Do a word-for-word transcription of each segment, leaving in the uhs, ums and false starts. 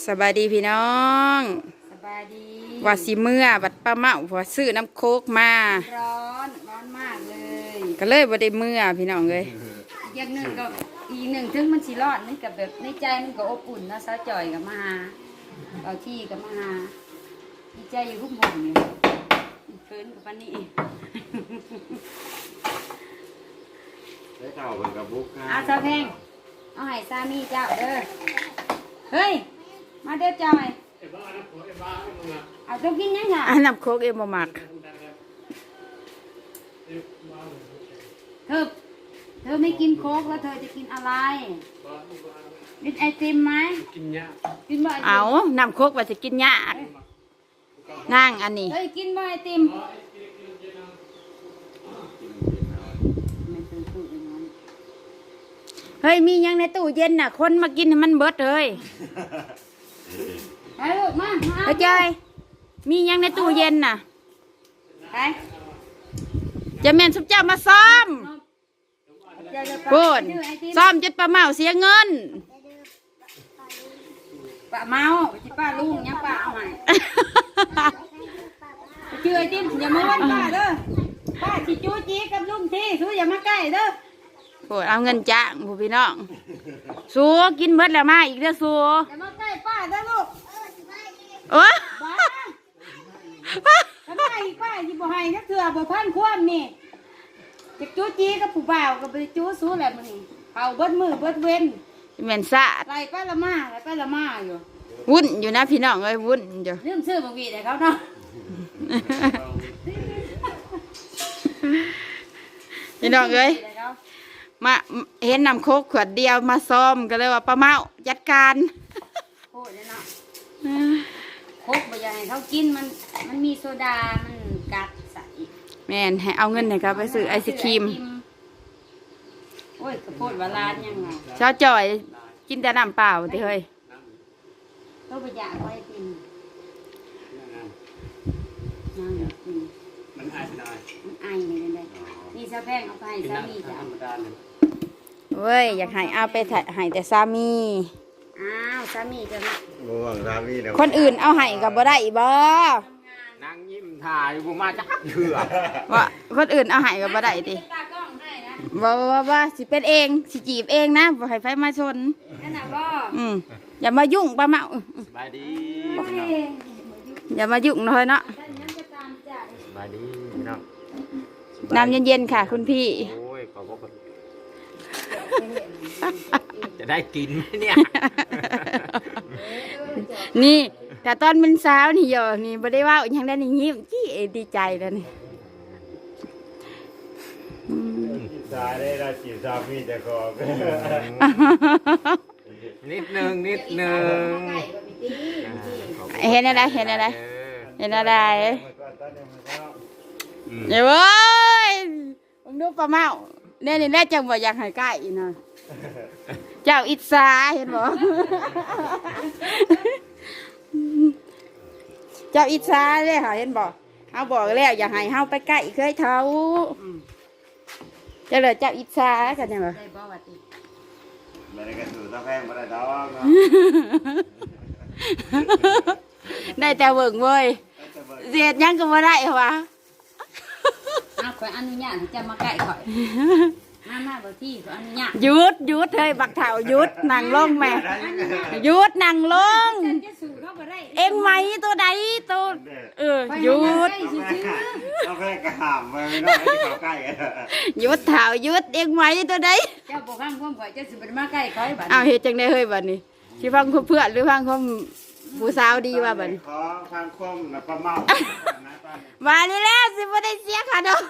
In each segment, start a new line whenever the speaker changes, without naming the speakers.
สบายดีพี่น้อง
สบายดี
ว่าสิเมื่อบัดป้าเมาพอซื้อน้ำโคกมา
ร้อนร้อนมากเลย
ก็เลยบ่ได้เมื่อพี่น้องเลย
อีกอย่างหนึ่งก็อีกหนึ่งถึงมันสิร้อนนี่กับแบบในใจมันก็อบอุ่นนะสาวจ่อยกับมาหาเอาที่กับมาหาดีใจอยู่ทุกหมู่นี่เกินกับปานนี้
ได้ข่าวเป็นกับบุ๊กนะ
อาซาเพงเอาให้สามีเจ้าเด้อเฮ้ยมาเด้อจอยเอาต้องกินยังไง
อันน้ำโคกเอ็มบ่มัก
เธอเธอไม่กินโค้กแล้วเธอจะกินอะไรกินไอติมไหมกินยากินบ่ไอติม
เอาน้ำโคกว่าจะกินยากนั่งอันนี้
เฮ้ยกินบ่ไอติม
เฮ้ยมียังในตู้เย็นน่ะคนมากินให้มันเบิดเลย
ไปลูกมามา
เฮ้ยจอยมียังในตู้เย็นน่ะ
ไป
จะแม่นสุบเจ้ามาซ้อมพูดซ้อมจนป้าเมาเสียเงิน
ป้าเมาไปที่ป้าลุงยังป้าเอาใหม่ไปเชื่อไอติมอย่ามาวันป้าเด้อป้าชิจูจีกับลุงที่สู้อย่ามาใกล้เด้อ
พูดเอาเงินจ้างผู้พี่น้องสัวกินเบิดแล้วมาอีกเด้อสัว
อย่ามาใกล้ป้าเด้อลูก
โอ้
บ้าทำไมป้าที่บ่ให้นักเถื่อบ่พันคว่ำนี่จะจูจีกับผู้บ่าวกับไปจูสู้แหละมันนี่เผาเบิดมือเบิดเว้น
แม่นซะ
ไรป้าละมาไรป้าละมาอยู่
วุ่นอยู่นะพี่น้องเอ้ยวุ่นอยู่
ลืมซื้อบางวีแต่เขาเนาะ
พี่น้องเอ้ยมาเห็นน้ำโคกขวดเดียวมาซ้อมก็เลยว่าป้าเมาจัดการ
โอ้ยเนาะโคกบ่อยากให้เขากินมันมันมีโซดามันกัดใส่
แม่นให้เอาเงินให้เขาไปซื้อไอศครีม
โอ้ยกระโพดว่าร้านยังไง
เช้าจ่อยกินแต่น้ำเปล่าติเฮ้ย
ก็บ่อยากไว้กินนั่งกิน
มันอายเป็นอาย
มันอายเลยได้นี่ซะแพงเอาไปสามีจ้ะ
เว้ยอยากให้เอาไปให้แต่สามี
อ้าวสามีจะมา
บ่หวังสามีเด้อ
คนอื่นเอาให้ก็บ่ได้บ่
นั่งยิ้มถ่ายบ่มาจักเถื่อ
ว่าคนอื่นเอาให้ก็บ่ได้ติบ่บ่บ่สิเป็นเองสิจีบเองนะบ่ให้ไฟมาชน
นั่นน่ะบ่
อืมอย่ามายุ่งป้าเมา
สบายดี
อย่ามายุ่งเลยเนาะ
สบายดีพี่น้อง
น้ำเย็นๆค่ะคุณพี่
โอ้ยขอบคุณจะได้กินไหมเนี่ย
นี่แต่ตอนเป็นสาวนี่โยนี่บ่ได้ว่าอย่างนั้นนี่ยิ้มจี้ดีใจแล้วนี่
สายได้เราจีบสามีแต่ขอบนิดนึงนิดนึง
เห็นอะไรเห็นอะไรเห็นอะไรเดี๋ยวเว้ยผมดูป้าเมาเนี่ยนี่แน่จังว่าอยากให้ใกล้นะเจ้าอิสาเห็นบ่เจ้าอิสาเลยค่ะเห็นบ่เขาบอกแล้วอยากให้เขาไปใกล้เคยเท่าเจ้าเลยเจ้าอิสากันยังไง
ไม่ได้กระสุนตะแพงไม่ได้ดอกเนาะ
ได้แต่เบิ่งเว้ยเสียดยังก็ไม่ได้เหรอวะ
เอาข่อยอนุญาตจะมาใกล้ข่อยมามาบ่ที่ข่อยอนุญาต
หยุดหยุดเฮ้ยบักเถ่าหยุดนั่งลงแม่หยุดนั่งลงเอ็งไหมตัวใดตัวเออหยุด
ตะแพงกระหามไปไม่ได้ที่เขาใกล้
หยุดเถ่าหยุดเอ็งไหมตัวใด
เจ้าบ่ฟังความข่อยจะสิบ่มาใกล้ข่อยบัด
อ้าวเฮ็ดจังได๋เฮ้ยบัดนี้สิฟังเพื่อนหรือฟังความผู้สาวดีว่าบัด
ขอทางคมนะป้าเมา
มานี่แล้วสิบ่ได้เสียค่าดอก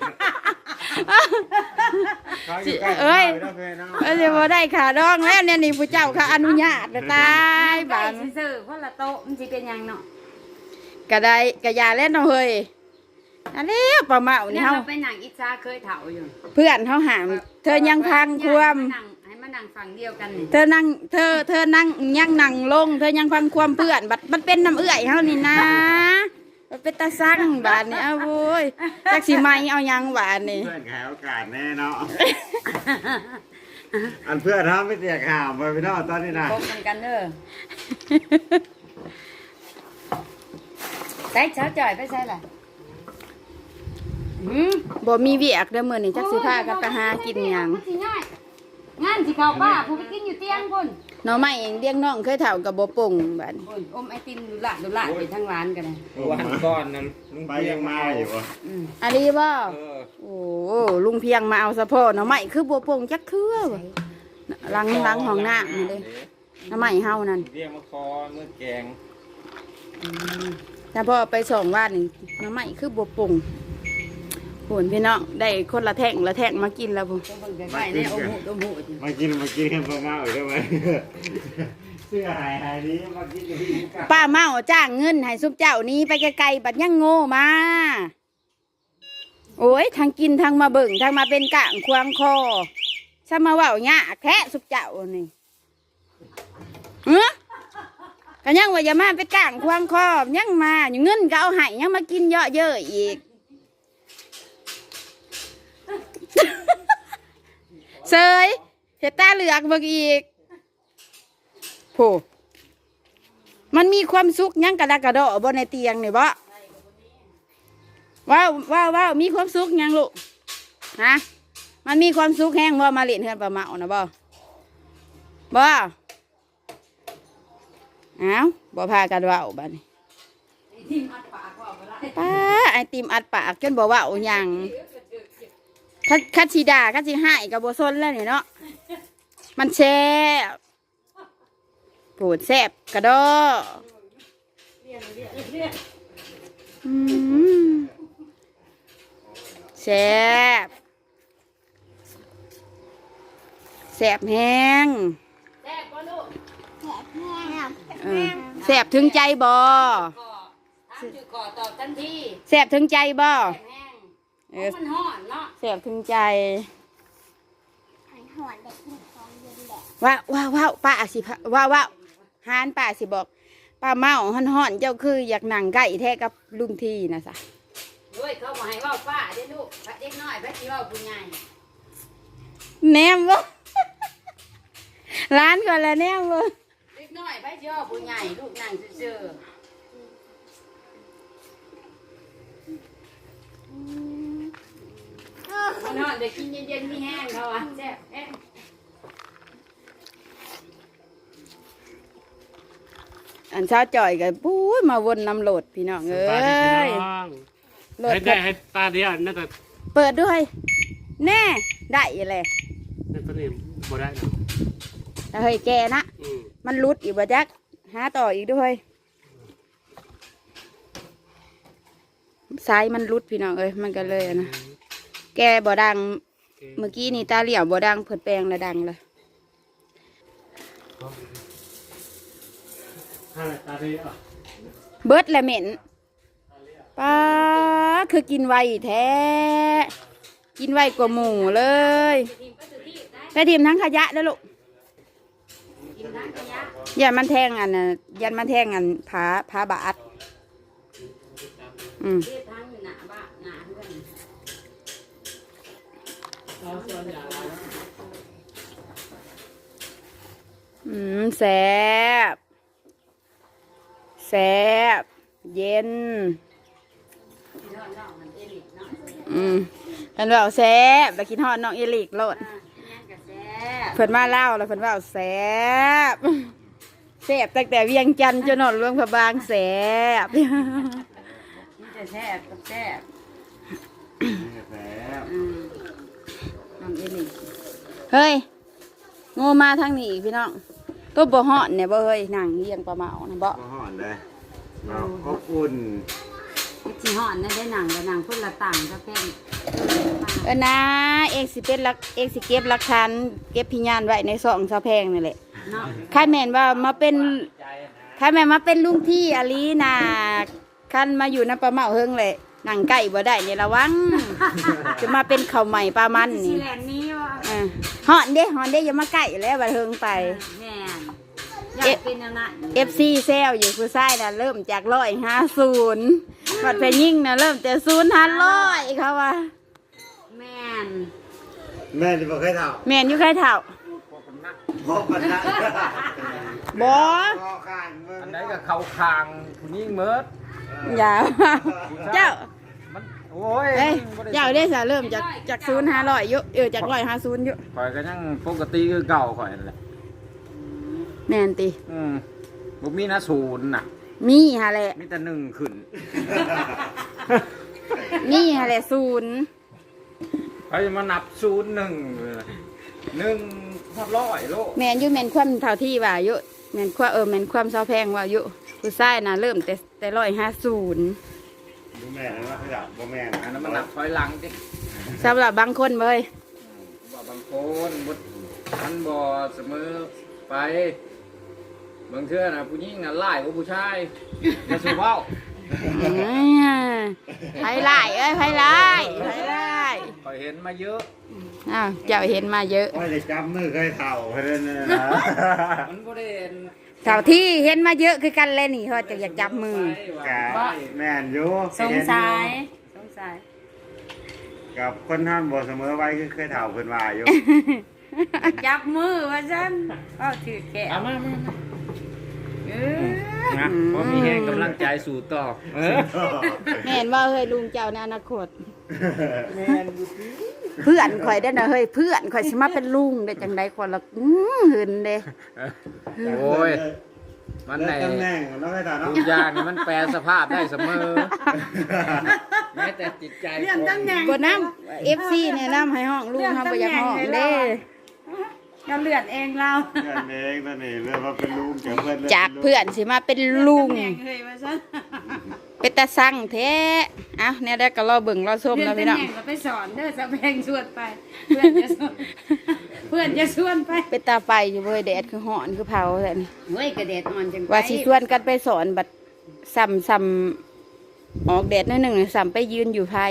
เอ้ยเอ้ยสิบ่ได้ค่าดอกแล้วเนี่ยนี่ผู้เจ้าเขาอนุญาตตาย
บาดซื่อๆคนละโต๊ะมันสิเป็นหยังเนาะ
ก็ได้ก็อย่าเล่นเนาะเฮ้ยอันนี้ป้าเมานี่เฮา
ไปนั่งอิจฉาเคยเฒ่าอยู่
เพื่อนเฮาหามเธอยังพังความ
มานั่งฝั่งเดียวกันนี่
เธอนั่งเธอเธอนั่งยังนั่งลงเธอยังฟังความเพื่อนบัดมันเป็นน้ำเอื้อยเฮานี่นะมันเป็นตาสั่งบาดนี่เอาโว้ยจักสิไม้เอายังบาดนี่
เพื่อนแขวโอกาสแน่เนาะอันเพื่อนทำไม่เสียข่าวไปพี่น้องตอนนี้นะ
พบกันกันเด้อใส่เช้าจ่อยไปใส่ล่ะหืม
บ่มีเวียกเด้อมื้อนี้จักสิพากันไปหากินหยัง
มันสิง่ายงานสิเข้าป้าผู้ไปกินอยู่เตียงพุ่น
หน่อไม้เองเลี้ยงน้องเคยเฒ่ากับบ่ปงบัดนี้
พุ่นอมไอติมดูละดูละไปทั้งร้านกันเลย
วันก่อนนั้นลุง
ไป
เพีย
ยัง ง
มา
มาอยู่ปะ
อืม
อันนี้บ่
เออ
โอ้ลุงเพียงมาเอาสะโพกหน่อไม้คือบ่ปงจักเทื่อบ่ล้างล้างห้องน้ำนี่เด้หน่อไม้เฮานั่น
เรียกมาคอเมื่อแกง
แต่พอไปส่งบ้านนี่หน่อไม้คือบ่ปงโหนพี่น้องได้คนละแท่งละแท่งมากินแล้วพุ่น
ต้องเบิ่งใกล้ๆเนี่ยอมหูอมหู
มากินมากินกันประมาณได้ไหมเสื้อหายหายนี้มากินอยู่ที่กัน
ป้าเมาจ้างเงินให้ซุปเจ้านี้ไปไกลๆบัดยังโง่มาโอ้ยทางกินทางมาเบิ่งทางมาเป็นกะงควางคอซะมาเว้าหยาแค่ซุปเจ้านี่เอ้อก็ยังว่าอย่ามาเป็นกะงควางคอยังมาอยู่เงินก็เอาให้ยังมากินเยอะเยอะอีกเสยเห็ดตาเหลือกเบิกอีกโผมันมีความสุขยังกระดากกระโดดบนในเตียงนี่บ่ว้าวว้าวว้าวมีความสุขยังลูกฮะมันมีความสุขแห้งบ่มาเล่นเฮือนปลาเมานะบ่บ่อ้าวบ่พากันเว้าบัดนี้ป้าไอติมอัดปากจนบ่เว้าหยังคัดคัดสีดาคัดสีหายกับโบซนแล้วนี่เนาะมันแซ่บโผดแซ่บกระดออืมแซ่บแซ่บแห้ง
แซ่บบ่ลูก
เออแซ่บถึงใจบ่
ก่อถามชื่อก่อตอบทันที
แซ่บถึงใจบ่
แห้ง
เอ
ๆ
อ
มันฮ้อนเนาะ
แซ่บถึงใจว้าวว้าวว้าวป้าสิพะว้าวว้าวฮานป้าสิบอกป้าเมาห่อนห่อนๆเจ้าคืออยากนั่งใกล้แท้กับลุงทีนะสะ
เฮ้ยเขาบอกให้เว้าป้าเด้อลูกพระเด็กน้อยพระสิเว้าผู้ใหญ่
แนมบ่ ร้านก่อนละแนมบ่
เด็กน้อยพระสิเว้าผู้ใหญ่ลูกนั่งซื่อๆมันฮ้อนได้กินเย็นๆมีแห้งเขาอ่ะแซ่บแห้ง
อันเช้าจ่อยกับปุ้ยมาวนนำโหลดพี่น้องเอ้ยโหลด
ให้ได้ให้ตาเดียวน่าจะ
เปิดด้วย แน่ได้เลย
น่าจะนี่บ่ได้นะ
แต่เฮ้ยแกนะ
อืม
มันรุดอีกบ่จักหาต่ออีกด้วยสายมันรุดพี่น้องเอ้ยมันก็เลยอะนะแกบ่ดังเมื่อกี้นี่ตาเหลี่ยวบ่ดังเผิดแปลงแล้วดังเลย
ให้ตาเดียว
เบิดและเหม็นป้าคือกินไวแท้ กินไวกว่าหมูเลยไปทีมทั้งขยะแล้วลูกยันมันแทงอันน่ะยันมันแทงอันผาผาบาดอืม
เฮ็ดทั้งหน้าบ้านหน้าเฮือน
อืมแซ่บแซ่บเย็น
พี่น้องน้องมันเอลิกเนาะ
อืมเป็นว่าแซ่บไปกินฮอดน้องเอลิกโลด
อ่านั่นก็แซ่บ
เพิ่นมาเล่าแล้วเพิ่นว่าแซ่บแซ่บตั้งแต่เวียงจันทร์จนหนอนหลวงพระบางแซ่บ
นี่จะแซ่บกับแซ่บ
แผล
อืมน้องเอลิก
เฮ้ยโง่มาทางนี้พี่น้องตัวบ่ฮอดเนี่ยบ่เฮ้ยนั่งเลี้ยงปลาเมานะบ่
ก็ห่อนเลยเราอบอุ่น
นี่สิฮ้อนนั่นได้หนังกับหนังพุ่นละต่างก็เป็น
เออนะเอกสิเป็นลักเอกสิเก็บหลักฐานเก็บพิญญาณไว้ในซองซาแพงนี่แหละ
เนาะ
ข้าแม่นว่ามาเป็นข้าแม่นมาเป็นลุงที่อลีนาคันมาอยู่น้ำปลาเมาเฮิงเลยนั่งใกล้บ่ได้เนี่ยระวัง จะมาเป็นข้าวใหม่ปลามัน
สิ
นี่
แลนนี้ว่า
เออฮอนเด้ฮอนเด้อย่ามาใกล้แล้วบัดเฮิงไป
แม่นอยากเป็นอันนั้น
เอฟซีแซวอยู่ผู้ชายน่ะเริ่มจากร้อยห้าศูนย์บัดไปยิ่งน่ะเริ่มแต่ศูนย์ห้าร้อยเขาว่า
แม่น
แม่ที่บอกให้เท่า
แม่นอยู่ใครเถ่า
แ
พบกันนะ
บ่
คอข้างเบิ่ง
อันไหนก็เข้าคางผู้หญิงเมิด
อย่าเจ้า
มันโอ้ย
เอ้ย
มันบ่
เจ้าได้สาเริ่มจากจากศูนย์ห้าร้อยอยู่เออจากร้อยห้าศูนย์อยู่
ข่อยก็ยังปกติคือเก่าข่อยนั่นแหละ
แม่นติ
อืมบ่มีนะศูนย์น่ะ
มีฮะแหละ
มีแต่หนึ่งขึ้น
มีฮะแหละศูนย์
เขาจะมานับศูนย์หนึ่งเลยหนึ่งพอร้อยโล
แม่นอยู่แม่นความเท่าที่ว่าอยู่แม่นความเออแม่นความเซาแพงว่าอยู่ผู้ชายน่ะเริ่มแต่แต่ร้อยห้าศูนย์
ดูแม่นะว่าขยับบ่แม่นะ
อันนั้นมันนับถอยหลังดิ
สำหรับบางคนเว้ย
บ่บางคนบ่มันบ่เสมอไปบางเทื่อน่ะผู้หญิงน่ะหลายกว่าผู้ชายอย่าสูเว้า
ไผไล่เอ้ยไผไล่ไผไล่
ข่อยเห็นมาเยอะ
อ้าวเจ้าเห็นมาเยอะ
ว่าจะจำมือเคยเท่าเพิ่นนั่นนะ
มันบ่ได้เห็น
เท่าที่เห็นมาเยอะคือกันเลยนี่เขาจะอยากจับมือ
กะแม่นอยู่
สงสัยสงสัย
กับคนท่านบ่เสมอไว้คือเคยเท่าเพิ่นว่าอยู่
จับมือว่าฉันเอาถือแขน
เอามามามา
เออ
นะเพราะมีแรงกำลังใจสู่ต่อเออ
แม่นว่าเฮ้ยลุงเจ้าในอนาคต
แม่นอยู่
เพื่อนข่อยได้อนะเฮ้ยเพื่อนข่อยสิมาเป็นลุงได้จังไดคนละอื้อหืนเด้
โอ้ย มัน
ใน
ใน
ตำแหน่งเนาะเคยเท่าเนาะ
ทุกอย่างนี่มันแปลสภาพได้เสมอ แม้แต่จิตใจคน
กดน้ำ เอฟ ซี เนี่ยน้ำให้ห้องลุงเฮาบ่อยากห้องเด้
เราเลือดเองเรา
เพื่อนเองนั่นนี่เรื่องว่าเป็นลุงจากเพื่อน
จากเพื่อนสิมาเป็นลุง
เลือดตำแหน่งเลยว่าฉัน
เป็นตาสั่งแท้เอ้าเนี่ยได้ก็รอเบิ่งรอชม
เลือ
นะ
ด
พี่
ตำ
น้อง
แหน่งเราไปสอนเด้อสะแพงชวนไป เพื่อนจะชวนเพื่อนจะชวนไป
เป็นตาไปอยู่เว้ยแดดคือฮ้อนคือเผาแท้นี่
เฮ้ยกระเด็ดอ่อนจังไป
ว่าสิชวนกันไปสอนบัดซ้ำซ้ำออกแดดหนิดหนึ่งซ้ำไปยืนอยู่ไผ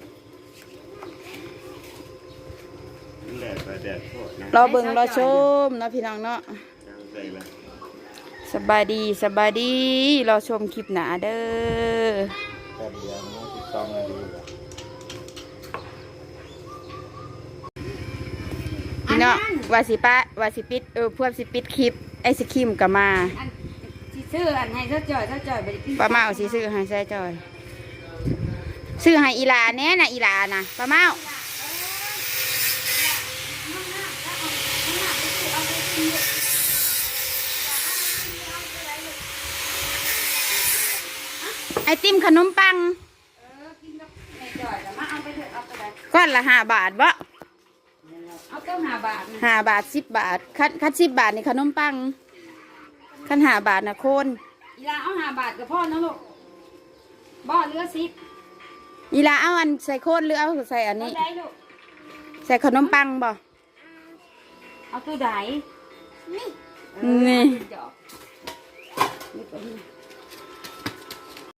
แดดไปแดดโคตรนะ
รอเบิ่งรอชมเนาะพี่น้องเนาะ
ใส่เลย
สบายดีสบายดีรอชมคลิปหนาเด้อ
แป๊บเดียวมันสิบสองนาที
พี่น้องว่าสิปะว่าสิปิดเออพวกสิปิดคลิปไอศครีมก็มา
อันที่ซื้ออันให้เจ้าจ่อยเจ้าจ่อยไปกิน
ป้าเมาสิซื้อให้ใส่จอยซื้อให้อีหลาแน่น่ะอีหลาน่ะป้าเมาไอติมขนมปัง
เออกินกับแม่จ่อยแต่มาเอาไปเถอะเอาไปเลย
ก้อนละห้าบาทบ่
เอาเก้าห้าบาทนะ
ห้าบาทสิบบาทคันคันสิบบาทนี่ขนมปังคันห้าบาทน่ะโคน
อีลาเอาห้าบาทกับพ่อนะลูกบ่อเรือสิบ
อีหลาเอาอันใส่โคนหรือเอาใส่อัน
เอา
นี้
ได้ลูก
ใส่ขนมปังบ่
เอาตัวไหน
นี่
เออเอาตัวดอกนี่ตัวนี้